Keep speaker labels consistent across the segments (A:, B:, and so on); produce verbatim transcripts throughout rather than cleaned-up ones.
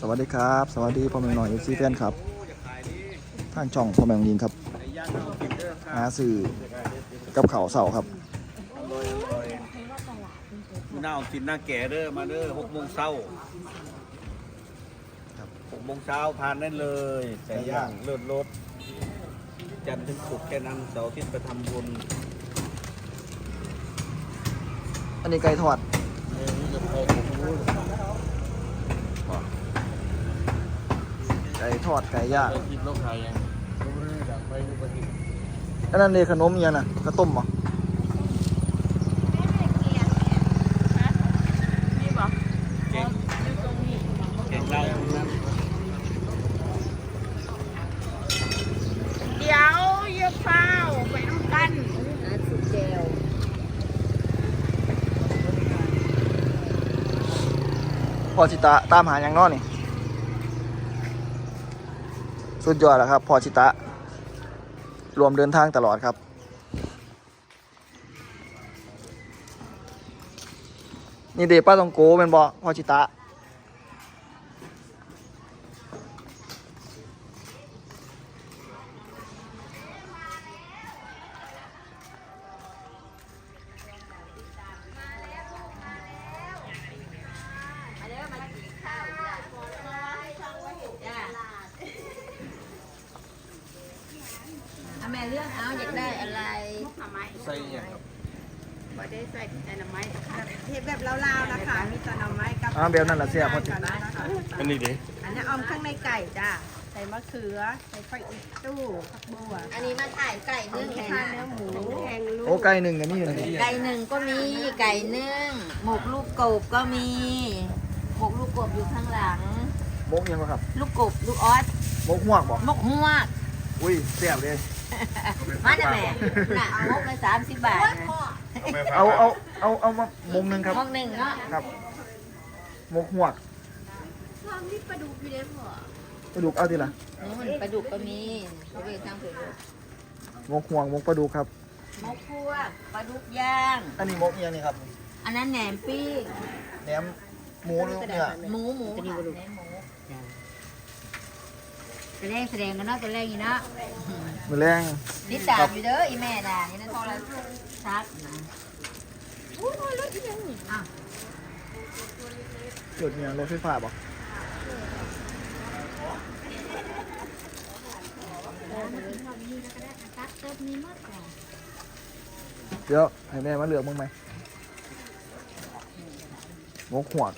A: สวัสดีครับสวัสดีพ่อแม่น้องเอฟซีแฟนครับทางช่องพ่อแม่ยิงครับหาสื่อกับข่าวเสาครับ
B: หน้ากินหน้าแก่เด้อมาเด้อหกโมงเช้าหกโมงเช้าทานได้เลยไก่ย่างเลือดรสจันทร์ถึงศุกร์แค่นั้นเสาร์อาทิตย์ไปทำบุญ
A: อันนี้ไก่ทอดไก่ทอดไก่ย่างอันนั้นเลยขนมยังน่ะข้าวต้มเหรอ
B: เก่งเก่งเรานั้น
C: เดี๋ยวเยอะเฝ้าไปน้ำกันอาสุเจล
A: พอชิตะตามหาอย่างนอนี่สุดยอดแล้วครับพอชิตะรวมเดินทางตลอดครับนี่เดป้าตองโกเป็นบอพอชิตะ
C: แม่เลือกเอาอยากได้อะไรทำไม
B: ใส่เนี่ยครับ
C: บ่ได้ใส่แต่น้ำไม้ค่ะเทปแบบลาวๆนะคะมีแต่น้ำไม้กับ
A: อ่าแบบนั้นละเสียพอชิตะ
B: อันนี้ดิ
C: อันนี้ออมข้างในไก่จ้าใส่มะเขือใส่ไฟอีกตู้ผักบัว
D: อันนี้มาถ่ายไก่นึ่ง
C: แห้
D: แห้
C: ง
D: ง
C: เนื้อหมูแห้งลูก
A: โอ้ไก่หนึ่งกันนี่อยู่ไหน
D: ไก่หนึ่งก็มีไก่นึ่งหมกลูกกบก็มีหมกลูกกบอยู่ข้างหลัง
A: มกยังบ่ครับ
D: ลูกกบลูกออส
A: มกห่วงบ่
D: หมกฮวก
A: อุ้ยเสียบเลย
D: มาได้แม่น่ะหมกละสามสิบบาทนะ
A: เอาเอาเอาเอามามงหนึ่งครับ
D: หมกหนึ่งเนาะ
A: ครับมกห่วง
C: ทำนี่ปลาดุกอยู่เลยพ่อก
A: ระดูกเอาทีละ
D: นู่นปลาดุกก็มีเขาเรียกทางเผือก
A: มกห่วงมกปลาดุกครับ
D: หมกพวกปลาดุกย่าง
A: อันนี้มกเอียงนี่ครับ
D: อันนั้นแหนมปิ้ง
A: แหนมหมูหรือเนื้อ
D: หมูหมูค่ะแหนมหมูแสดงแสดงกันเนาะตัวแรกอีเนาะ
A: มือแรง
D: นี่ตามอยู่เด้ออีแม่น่ะนี่นั่นโทรศัพท์นะอู้ยรถอีหยังนี่อ่ะ
A: เกิดเนี่ยรถไฟฟ้าบ่เดี๋ยวให้แม่มาเหลือกมึงไหมมกหัว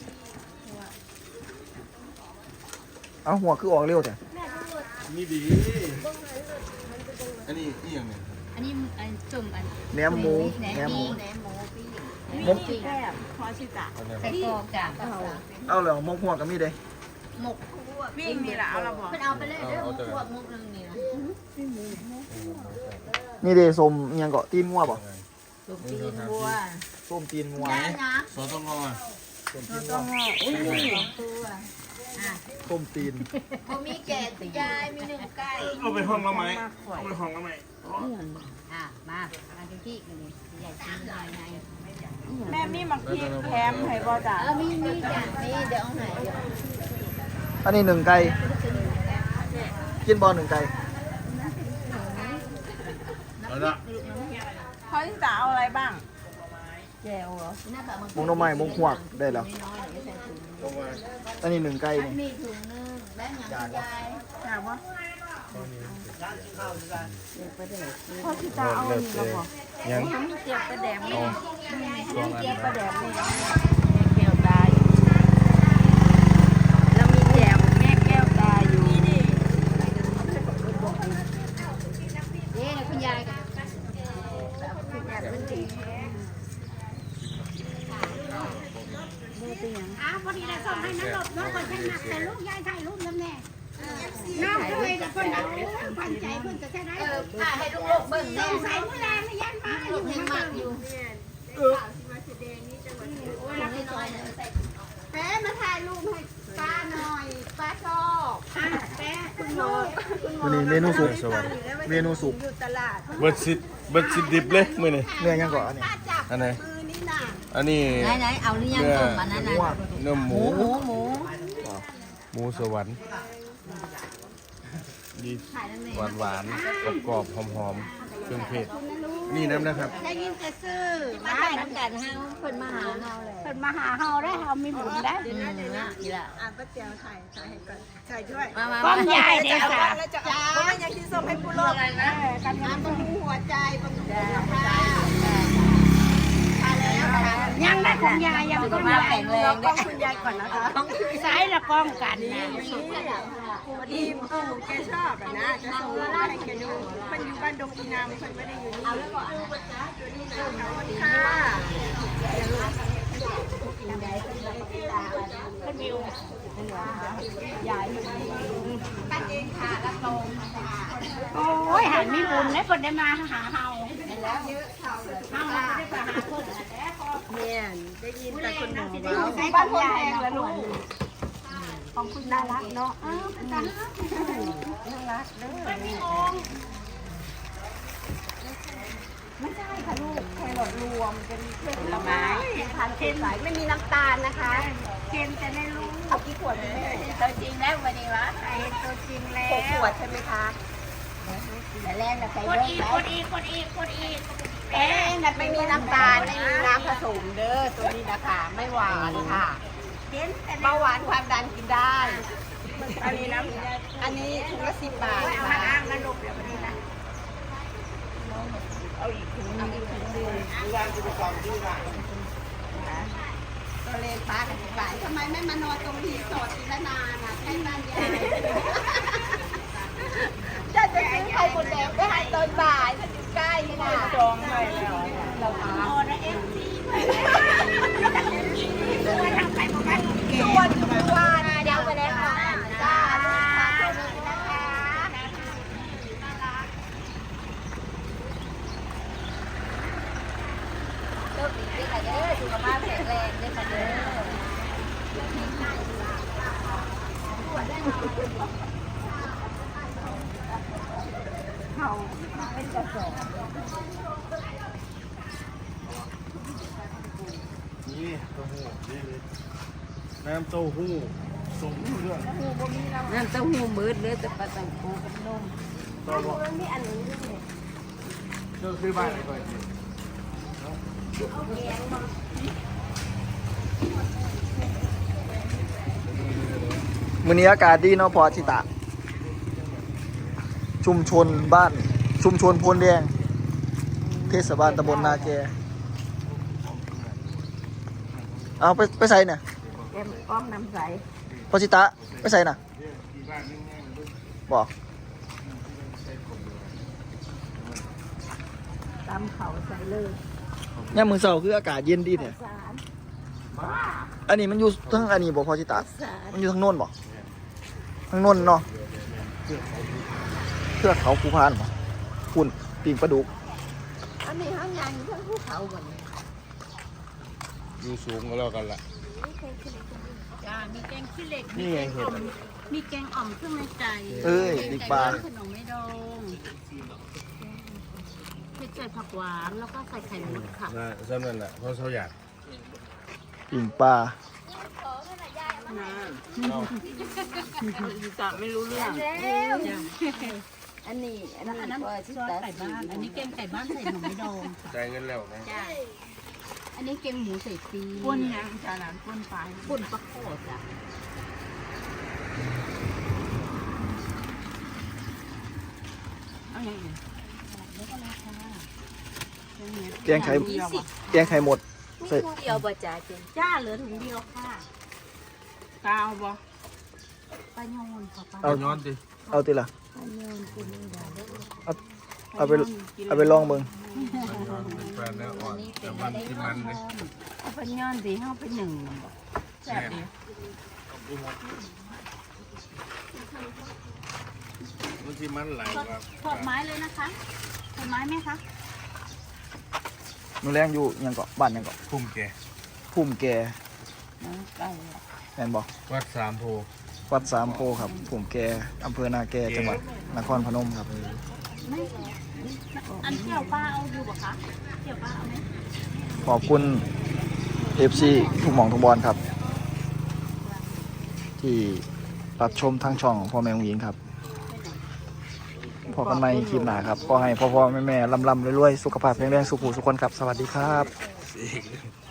A: เอาหัวคือออกเร็วแต่
B: นี่ดีอันนี้อีหยังเนี่ย
D: อันนี้อันจุ่มอัน
A: แหนมหมู
D: แหน
A: แหนม
D: ม
A: หมู
D: แหนมหมูปิ้ง
A: มก
C: แซ่บพอชิตะ
D: ใส่กรอกจ้ะ
A: เอาเลยมกหัวกับมีดเลย
D: หมก
C: วิ่งมีละเอาละบอก
D: เพิ่นเอาไปเลยเด้อหมกพวกมุกนึงนี่นะ
A: นี่เดสมอิหยังเกาะตีนงัวบ่
D: ลูกตีนวัว
A: ส้มตีนงัว
D: ได้นะ
B: ซอสต้องงอ
A: ส้มตีน
D: ต้
A: งั
D: อ
A: ว
D: งงออุ้ยสองตัวอ่ะ
A: ส้มตีน
D: บ่มีแกะตัวยายมีหนึ่งไก่
B: เอาไปห้องละไหมเอาไปห้องละไหม
D: อ่ะมามาที่ที่กันเลยใหญ่จริงใหญ่ไง
C: แม่มีมักพริกแคมให้บ่จ้า
D: เออมีมีจ้ะมีเดี๋ยวเอาไหนเดี๋ยว
A: อันนี้หนึ่งไก่กินบอลหนึ่งไก่
B: เอาละ
C: พอชิตะเอาอะไรบ้าง
D: แจวเหรอหน้าตาบาง
A: มงหน้ำไม้มงหวกได้แล้ว
D: น้อยๆเดี๋ยวใส่ถุง
B: ลงมา
A: อันนี้หนึ่งไก่นี่
D: มีถุงนึงแบงค์อย่างคุณยาย
C: ถามว่า
D: เด็กประเด็ก
C: พอชิตะเอาอันนี้ละบอก
B: ยัง
C: ทำเจียบปลาแดงนี่
B: ช่วงอัน
C: เจียบ
B: นะ
C: ปลาแดงนี่แก้วตาอยู่แล้วมีแจวแม่แก้วตาอยู่นี่ดิ
D: เด้คุณยายกัน
E: อ้าวพอดีได้ส่งให้น้ำหลบน้องคนฉันนักแต่ลูกยายถ่ายรูปน้ำแน่น้องเคยกับคนเอาพันใจเพื่อนจะแค่ไหน
D: เออถ่ายให้ลูกๆเบิ่ง
E: ส
D: แน่
E: งสัยเมื่อแรงนี่ยันมาอยู่
D: ยังหมักอยู่
E: โอ้ยรักน้อยแป๊มาถ่ายรูปให้ป้าหน่อยป้าชอบแป๊คุณโมคุณโม
A: วันนี้เมนูสุกเมนูสุก
C: อยู่ตลาด
B: เบิดสิเบิดสิดิบเลยมื้อนี้
A: เนื้อยังก่อนอันนี้
E: ป้าจับ
B: อันไหน
E: มือนี่น่ะ
B: อันนี้
D: ไหนไหนๆเอาหรือยังต้มอันนั้นน่ะ
A: หัว
B: เนื้อห
D: ห
B: มู
D: มูหมูหมู
A: ม
F: หมูสวรรค์ดีหวานหวานกรอบกรอบหอมหอมเครื่องเทศนี่น้ำนะครับ
E: ได้ยินแต่ซื้อ
D: มาใส่น้ำกันเฮาเพิ่นมาหาเฮาเลย
E: เพิ่นมาหาเฮาได้เฮามีบุญได้
D: เดี๋ยวนะเดี๋ยวนะอีละ
C: อ่านป้าเตียวถ่ายถ่ายให้ก่อนถ่ายด้วย
D: มามา
E: ก้อนใหญ่เด้อค่ะ
C: แล้วจะจ้าเพราะว่าอยากกินส้มให้ผู้โลกอะไรนะ
E: กันงานบำรุงหัวใจบำรุงสุขภาพ ยังได้ของยายยัง
D: สุข
E: ต้อง
D: ภาพ
E: ยาย
D: แข็งแรง
C: กล้องคุณยายก่อนนะคะ
E: สายละกล้องกันนะ
C: พอดีปู่แกชอบอะนะจะส่งรูปให้แกดูเพิ่นอยู่บ้านดงอีนามเพิ่นไม่ได้อยู่นี่เอาแล้วก่อนสวัสดีค่ะ
E: โอ้ยหันมีบุญแล้วคนได้มาหาเฮาเฮาไม่ได้ไปหาคน
C: เนี่ยได้ยินแต่คนหมอ
E: อยู่
C: ว่า
E: ในบ้านคนแพงแล้วลูกของคุณน่ารักเนาะอ้าวน่ารักน่ารักเด้อไม่มีองค์ไม่ใช่ค่ะลูกแครอทรวมเป็นผลไม้ทานเค็มสายไม่มีน้ำตาลนะคะเค็มแต่ไม่รู้เอากี่ขวดคุณแม่
D: ตัวจริงแล้ววันนี้วะ
E: ใส่ตัวจริงแล้
C: หกข
E: ว
C: วดใช่ไหมคะ
D: แต่แรกน่ะใส่
E: กด
D: เยอะ
E: อีก
D: ไป
E: กดอีกกดอีกกดอีก
C: เอ๊ะนั่นไม่มีน้ำตาลไม่มีน้ำผสมเด้อตัวนี้นะคะไม่หวานค่ะ
E: เห็นแต่
C: เบาหวานความดันกินได้ อันนี้นะอันนี้ถุงละสิบบาท
E: เอา
C: ค่ะ
E: มาอ้างนะลูกเดี๋ยวนี้นะ
C: เอาอีกถุงหนึงอีกถุงหนึงวางที่กองที่วางตัวเลนป้ากับสิบบาททำไมไม่มานอนตรงรีสอร์ทอีละนานอ่ะใกล้บ้านยายจะจะซื้อไข่หมดแดงไปให้ตอนบ่ายถ้าอยู่ใกล้นี่นะจองไปแล้วเราถาม
E: โอ้นะเอฟซีด้วยทางไปประมาณเก
C: ชวนอยู่ทุกวันเดี๋ยวไปแล้วค่ะจ้าลูกค้าตัวนี้นะคะ
D: โชคดีด้วยค่ะเด้อสุขภาพแข็งแรงด้วยค่ะเด้อ
F: นี่เต้าหู้นี่เลยน้ำเต้าหู้ส่งเรื่อง
D: น้ำเต้าหู้มืดเลยแต่ปลาตังโกกับนม
F: ต่อบอกเจ้าซื้อบ้านอะไรก่อนสิ
A: มื้อนี้อากาศดีเนาะพอชิตะ ชุมชนบ้าน ชุมชนโพนแดง เทศบาลตำบลนาแก เอาไปไปใส่เนี่ย
E: เอ็มอ้อมน้ำใส
A: พอชิตะไปใส่น่ะบอก
E: ตำเขาใส่เลย
A: เนี่ยมือเสาร์คืออากาศเย็นดีเนี่ย
E: สาร
A: อันนี้มันอยู่ทั้งอันนี้บอกพอชิตะ มันอยู่ทั้งโน้นบอกทั้งโน้นเนาะเทือกเขาภูพานบอกคุณปิงปลาดุก
E: อันนี้ห้างยางอยู่ทั้งภูเขาหมดเลย
F: อยู่สูงก็แล้วกันล่ะ
E: จ้ามีแกงขี้เหล็ก
F: นี่ไงเห็ด
E: มีแกงอ่อมเครื่องในใจ
A: เอ้ยดิปลา
E: ขนมไม่ดองเผ็ดใส่ผักหวานแล้วก็ใส่ไข่มุกค่ะ
F: นะสำนั่นแหละเพราะเขาอยาก
A: ปิงปลา
E: จะไม่รู้เรื่อง
D: อันนี้อัน
E: อัน
D: นี้
E: นั้น
D: ก็
E: ซ
D: ชิ
E: อส
D: ตา
E: ไก่บ้าน อันนี้แกงไก่บ้านใส่ขนมไม่ดอง
F: จ่ายเงินแล้วนะ
E: จ้าอันนี้แกงหมูใส่ปีป่นยังจ้าหลานป่นปลายป่นปลาโคตรจ้ะเอาอย่างนี้แล้วก็ราคา
A: แกงไข่แกงไข่หมดใส่
D: เดียวบ่จ่าจริง
E: จ้าเหลือถุงเดียวค่ะกาวบ่ปลาโยนค่ะปลา
A: เอา
F: ย้อนสิ
A: เอาติละ
E: ปลาโยนกินได้
A: เอาเอาไปเอาไปลองเบิ่ง
F: เป็นแฟนแล้วอ่อนแต่มันที่มันเลย
E: เอาปลาโยนสีห้าเป็นหนึ่งแซ่บดี
F: มันที่มันไหลกว่า
E: ทอดไม้เลยนะคะทอดไม้ไหมคะ
A: นูแรงอยู่หยังเกาะบ้านหยังเกาะ
F: พุ่มแก
A: พุ่มแก
E: ไก่
A: แม่นบอก
F: วัดสามโพ
A: วัดสามโพครับพุ่มแกอำเภอนาแกจังหวัดนครพนมครับ
E: อันเที่ยวป้าเอาอยู่ปะคะเที่ยวป้าเอาไหม
A: ขอบคุณ เอฟ ซี ทุกหม่องทุกบอลครับ ที่รับชมทางช่องพ่อแม่องหญิงครับพอกันใหม่คลิปหน้าครับก็ให้พ่อพ่อแม่แม่ลำลำรวยๆสุขภาพแข็งแรงสุขุสุขคนครับสวัสดีครับ